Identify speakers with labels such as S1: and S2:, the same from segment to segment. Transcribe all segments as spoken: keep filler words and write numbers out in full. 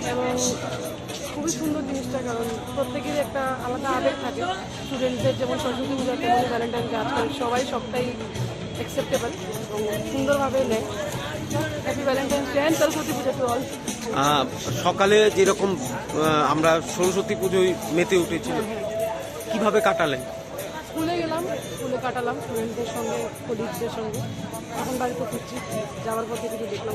S1: এবং খুবই সুন্দর জিনিসটা, কারণ প্রত্যেকেরই একটা আলাদা আবেগ থাকে। স্টুডেন্টদের যেমন সরস্বতী পূজা, তেমন ভ্যালেন্টাইন ডে, আজকাল সবাই সবটাই অ্যাকসেপ্টেবল এবং সুন্দরভাবে নেয়। Happy Valentine's day and Saraswati puja to all.
S2: সকালে যেরকম আহ, আমরা সরস্বতী পুজোয় মেতে উঠেছিল, কিভাবে কাটালেন?
S1: স্কুলে গেলাম, স্কুলে কাটালাম স্টুডেন্টদের সঙ্গে, কলিগদের সঙ্গে। এখন বাড়িতে ফিরছি, যাওয়ার পথে কিছু দেখলাম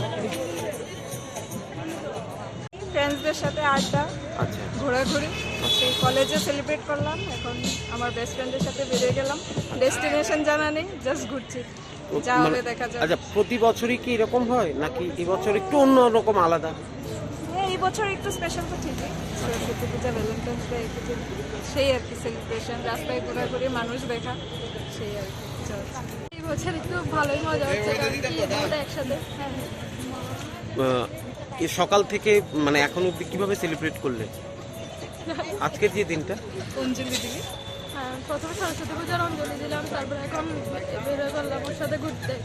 S3: ফ্রেন্ডসদের সাথে আড্ডা,
S2: আচ্ছা,
S3: ঘোরাঘুরি, সেই কলেজে সেলিব্রেট করলাম। এখন আমার বেস্ট ফ্রেন্ডের সাথে বেরিয়ে গেলাম, ডেস্টিনেশন জানা নেই, জাস্ট ঘুরছি, যা হবে দেখা যাবে।
S2: আচ্ছা, প্রতি বছরই কি এরকম হয় নাকি এবছর একটু অন্য রকম আলাদা?
S3: হ্যাঁ, এই বছর একটু স্পেশাল তো ঠিকই, সরস্বতী পূজা, ভ্যালেন্টাইন্স ডে, সেই আর কি সেলিব্রেশন, রাস্তায় ঘোরাঘুরি, মানুষ দেখা, সেই আর কি চলছে।
S4: এই বছর একটু ভালোই মজা হচ্ছে, কারণ কি দুটো একসাথে। হ্যাঁ,
S2: আহ, এ সকাল থেকে মানে এখন অব্দি কিভাবে সেলিব্রেট করলে আজকের যে দিনটা?
S3: অঞ্জলি দিবি?
S4: হ্যাঁ, প্রথমে সরস্বতী পূজার অঞ্জলি দিলাম, তারপরে এখন বেরোয় করলাম ওর সাথে ঘুরতে।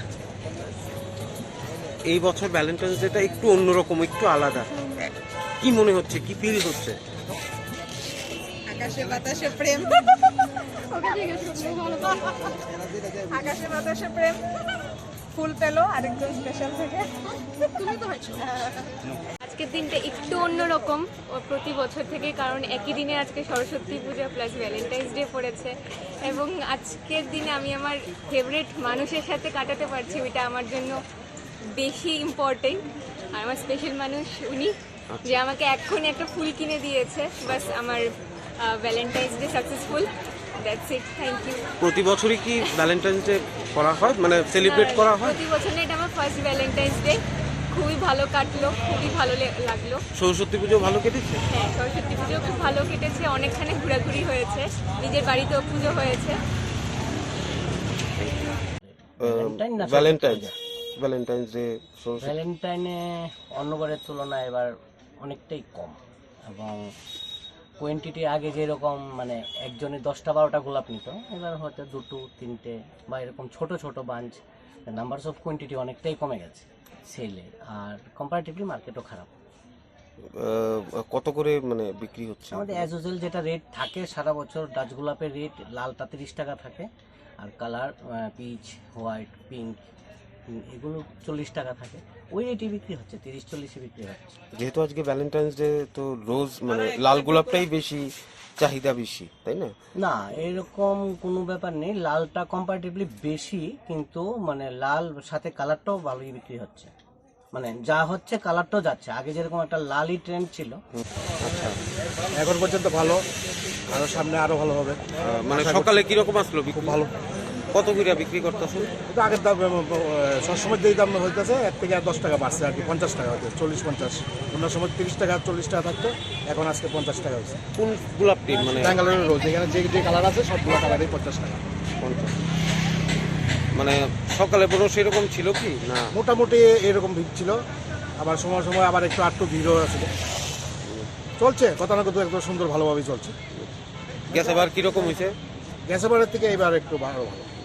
S2: এই বছর ভ্যালেন্টাইন্স ডেটা একটু অন্যরকম, একটু আলাদা। কি মনে হচ্ছে, কি ফিল হচ্ছে?
S3: আকাশে বাতাসে প্রেম,
S4: ওকে জিজ্ঞেস করবো, ভালো
S3: আকাশে বাতাসে প্রেম, ফুল পেলো আরেকজন স্পেশাল থেকে।
S4: তুমি তো হয়েছো।
S5: আজকের দিনটা একটু অন্যরকম প্রতি বছর থেকে, কারণ একই দিনে আজকে Saraswati puja plus Valentine's day পড়েছে, এবং আজকের দিনে আমি আমার ফেভারিট মানুষের সাথে কাটাতে পারছি, ওইটা আমার জন্য বেশি ইম্পর্টেন্ট। আর আমার স্পেশাল মানুষ উনি, যে আমাকে এক্ষুনি একটা ফুল কিনে দিয়েছে। বাস আমার Valentine's day successful, that's it, thank you.
S2: প্রতি বছরই কি ভ্যালেন্টাইন্স ডে করা হয়, মানে সেলিব্রেট করা হয়?
S5: প্রতি বছর না, এটা আমার ফার্স্ট ভ্যালেন্টাইন্স ডে, খুবই ভালো কাটলো, খুবই ভালো লে- লাগলো।
S2: সরস্বতী পুজো ভালো কেটেছে?
S5: হ্যাঁ, সরস্বতী পুজো খুব ভালো কেটেছে, অনেকখানি ঘোরাঘুরি হয়েছে, নিজের বাড়িতেও পুজো হয়েছে।
S2: ভ্যালেন্টাইন্স ভ্যালেন্টাইন্স ডে
S6: ভ্যালেন্টাইনে অন্যবারের তুলনায় এবার অনেকটাই কম, এবং কোয়েন্টিটি আগে যেরকম মানে একজনে দশটা বারোটা গোলাপ নিত, এবার হয়তো দুটো তিনটে বা এরকম ছোট ছোট বাঞ্চ, নাম্বারস অফ কোয়েন্টিটি অনেকটাই কমে গেছে সেলে, আর কম্পারেটিভলি মার্কেটও খারাপ।
S2: কত করে মানে বিক্রি হচ্ছে?
S6: আমাদের অ্যাজ ইউজুয়াল যেটা রেট থাকে সারা বছর, ডাচ গোলাপের রেট লালটা তিরিশ টাকা থাকে, আর কালার পিচ, হোয়াইট, পিঙ্ক এগুলো চল্লিশ টাকা থাকে। ওই রেটই বিক্রি হচ্ছে, তিরিশ চল্লিশে বিক্রি হচ্ছে।
S2: যেহেতু আজকে ভ্যালেন্টাইন্স ডে, তো রোজ মানে লাল গোলাপটাই বেশি চাহিদা বেশি, তাই না?
S6: না, এরকম কোনো ব্যাপার নেই, লালটা কম্পারেটিভলি বেশি, কিন্তু মানে লাল সাথে কালারটাও ভালোই বিক্রি হচ্ছে, মানে যা হচ্ছে কালারটাও যাচ্ছে। আগে যেরকম একটা লালই ট্রেন্ড ছিল,
S2: আচ্ছা,
S7: এখন পর্যন্ত ভালো, আরো সামনে আরো ভালো হবে।
S2: আহ, মানে সকালে কিরকম আসলো? খুব ভালো। কত করে বিক্রি করতেছেন?
S7: কিন্তু আগের দাম সবসময় যেই দাম হইতেছে এক থেকে আর দশ টাকা বাড়ছে আর কি, পঞ্চাশ টাকা হচ্ছে, চল্লিশ পঞ্চাশ, অন্য সময় তিরিশ টাকা চল্লিশ টাকা থাকতো, এখন আজকে পঞ্চাশ টাকা হচ্ছে।
S2: কোন গোলাপটি মানে?
S7: ব্যাঙ্গালোরের রোজ, এখানে যে যে কালার আছে সবগুলো কালারই পঞ্চাশ টাকা।
S2: পঞ্চাশ। মানে সকালে বড় সেরকম ছিল কি না?
S7: মোটামুটি এরকম ভিড় ছিল, আবার সময় সময় আবার একটু আটটু ভিড়ও আছে, চলছে কথা না কথা একদম সুন্দর ভালোভাবেই চলছে।
S2: গ্যাস আবার কিরকম হয়েছে?
S7: গ্যাসের বারের থেকে এবার একটু ভালো ভালো